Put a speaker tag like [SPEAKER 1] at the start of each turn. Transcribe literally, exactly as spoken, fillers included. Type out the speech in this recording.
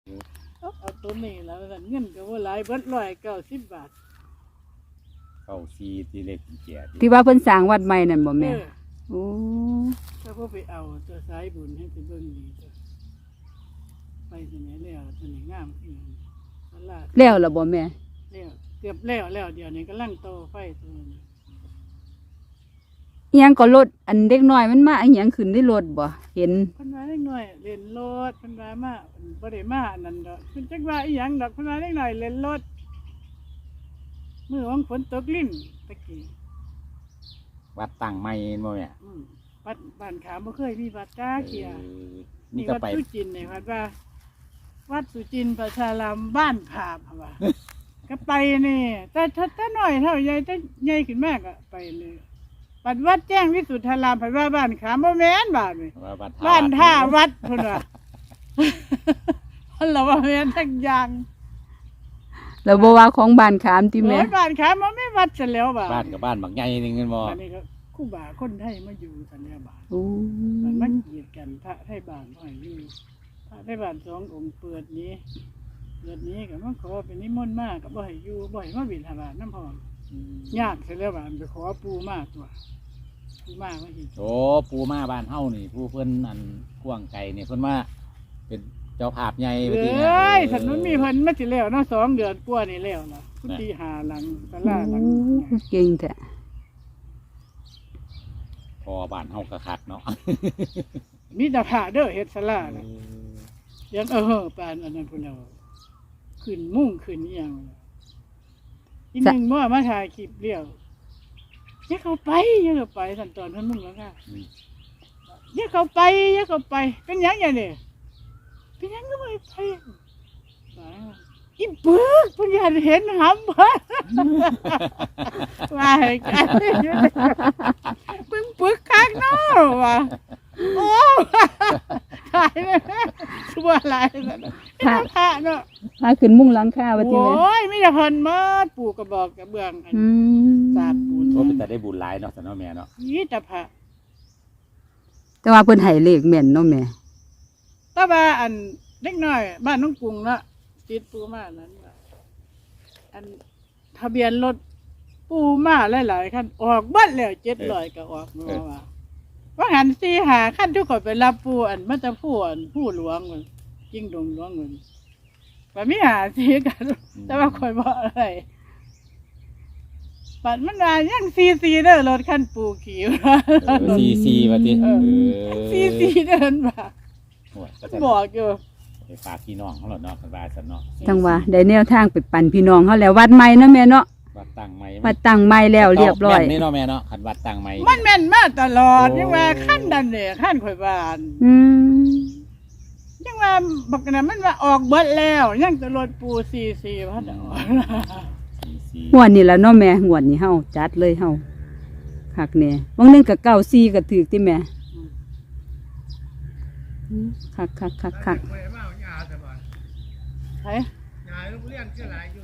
[SPEAKER 1] เอาตัวนี้แล้วเงินก็ว่าหลายเบิดร้อยเก้าสิบบาท
[SPEAKER 2] เก้าซีที่เล็กเกียรติ
[SPEAKER 3] ที่ว่าเพิ่นสร้างวัดใหม่นั่นบ่แม่โอ้
[SPEAKER 1] ถ้าพวกไปเอาตัวสายบุญให้ไปเบิ่งดีตัวไปสมัยแล้วสมัยงามขึ้นตลาด
[SPEAKER 3] แล้วล่ะบ่แม่
[SPEAKER 1] แล้วเกือบแล้วแล้วเดี๋ยวนี้กำลังโตไฟตัวนี้
[SPEAKER 3] อิหยังก็รถอันเด็กน้อยมันมาอิหยังขึ้นได้รถบ่เห็น
[SPEAKER 1] เพิ่นว่าเล็กน้อยเล่นรถเพิ่นว่ามาบ่ได้มาอันนั้นดอกเพิ่นจักว่าอีหยังดอกเพิ่นว่าเล็กน้อยเล่นรถมื้อวันฝนตกลิ้นตะกี้
[SPEAKER 2] วัดตั้งใหม่บ่แม่
[SPEAKER 1] อืมวัดบ้านขามบ่เคยมีวัดจ้าเขีย
[SPEAKER 2] นี่ก็ไป
[SPEAKER 1] สุจินเนี่ยวัดว่าวัดสุจินประชารามบ้านผาบว่า ก็ไปนี่แต่ถ้าถ้าน้อยเท่าใหญ่ถ้าใหญ่ขึ้นมากก็ไปเลยวัดวัดแจ้งวิสุทธารามผัดว่าบ้านขามบ่แม่นบ้านนี่บ้านท่าวัดพุ่นว่าเราว่าแม่นทั้งอย่าง
[SPEAKER 3] แล้วบ่ว่าของบ้านขามติแม่
[SPEAKER 1] บ้านขามมันไม่วัดซะแล้วบ้าน
[SPEAKER 2] บ้านกับบ้านบักใหญ่นึงกันบ่
[SPEAKER 1] อันนี้ก็ครูบาคนไทยมาอยู่ซะแล้วบ้าน
[SPEAKER 3] โอ้
[SPEAKER 1] มันมาเกียดกันพระไทยบ้านบ่ให้อยู่พระไทยบ้านสององค์เปิดนี้เปิดนี้ก็มันขอเป็นนิมนต์มากก็บ่ให้อยู่บ่ให้มาบิณฑบาตน้ำพรยากซะแล้วบ้านไปขอปู่มาตัวปู่มาว่าสิ
[SPEAKER 2] โอ้ปู่มาบ้านเฮานี่ผู้เพิ่นอันกว้างไกลนี่เพิ่นว่าเป็นเจ้าภาพใหญ่
[SPEAKER 1] เอ้ยถนนมีเพิ่นมาสิแล้วเนาะสองเดือนกว่านี่แล้วล่ะกุฏิหาหลังศาลาหลัง
[SPEAKER 3] เก่งแท้
[SPEAKER 2] พอบ้านเฮาก็คักเนาะ
[SPEAKER 1] มีแต่พระเด้อเฮ็ดศาลาน่ะยังเออปานอันนั้นพุ่นเอาขึ้นมุ่งขึ้นอีหยังอีหนึงบ่มาถ่ายคลิปเดียวอย่าเข้าไปอย่าเข้าไปสั่นตอนเพิ่นมุ่งแล้วค่ะอย่าเข้าไปอย่าเข้าไปเป็นหยังอย่างนี้เป็นหยังก็ไม่ไปอีปึกเพิ่นอยากเห็นหำบ่ว่าให้กันปึ้งปึกคักเนาะว่าโอ้ตายแล้วชั่วหลายแล้วพระพระเนาะ
[SPEAKER 3] พาขึ้นมุ้งหลังคาว่าติแม่
[SPEAKER 1] โอ้ยมีแต่เพิ่นมาปู่กระบอกกระเบื้องอันสาบปูน
[SPEAKER 2] โอ้เป็นแต่ได้บุญหลายเนาะซั่นเนาะแม่เนาะ
[SPEAKER 1] มีแต่พระ
[SPEAKER 3] แต่ว่าเพิ่นให้เลขแม่นเนาะแม่
[SPEAKER 1] แต่ว่าอันเล็กน้อยบ้านน้องกรุงเนาะติดปู่มานั้นอันทะเบียนรถปู่มาหลายๆคันออกเบิดแล้วเจ็ดร้อยก็ออกมาว่าว่าหันสี่หาขั้นทุกคนไปรับผู้อันมันจะผู้อันผู้หลวงมันยิ่งดงหลวงเงินแบบไม่หาสีกันแต่ว่าคอยบอกอะไรปัดมันมายังซีซีเด้อรถขั้นปูขี่
[SPEAKER 2] ซีซีว่าติ
[SPEAKER 1] ซีซีเดินมาบอกอยู่
[SPEAKER 2] ไปฝากพี่น้องเขาหรอเนาะบาสันเนาะ
[SPEAKER 3] จังว่าได้แนวทางไปปั่นพี่น้องเขาแล้ววัดใหม่เนาะแม่เนาะ
[SPEAKER 2] วัดตั้งใหม่
[SPEAKER 3] วัดตั้งใหม่แล้วเรียบร้อย
[SPEAKER 2] นี่เนาะแม่เนาะขันวัดตั้งใหม่
[SPEAKER 1] มันแม่นมาตลอดยังว่าขั้นดันเนี่ยขั้นข่อยบาน
[SPEAKER 3] อืม
[SPEAKER 1] ยังว่าบอกกันมันว่าออกเบิดแล้วยังจะรถปูซีซีพัดออก
[SPEAKER 3] งวดนี้แล้วเนาะแม่งวดนี้เฮาจัดเลยเฮาคักแน่บางนึงก็เก้าสี่ก็ถูกติแม่คักคักคักคัก
[SPEAKER 1] ใช่ยายลูกเลี้ยงเชื่อหลายอยู่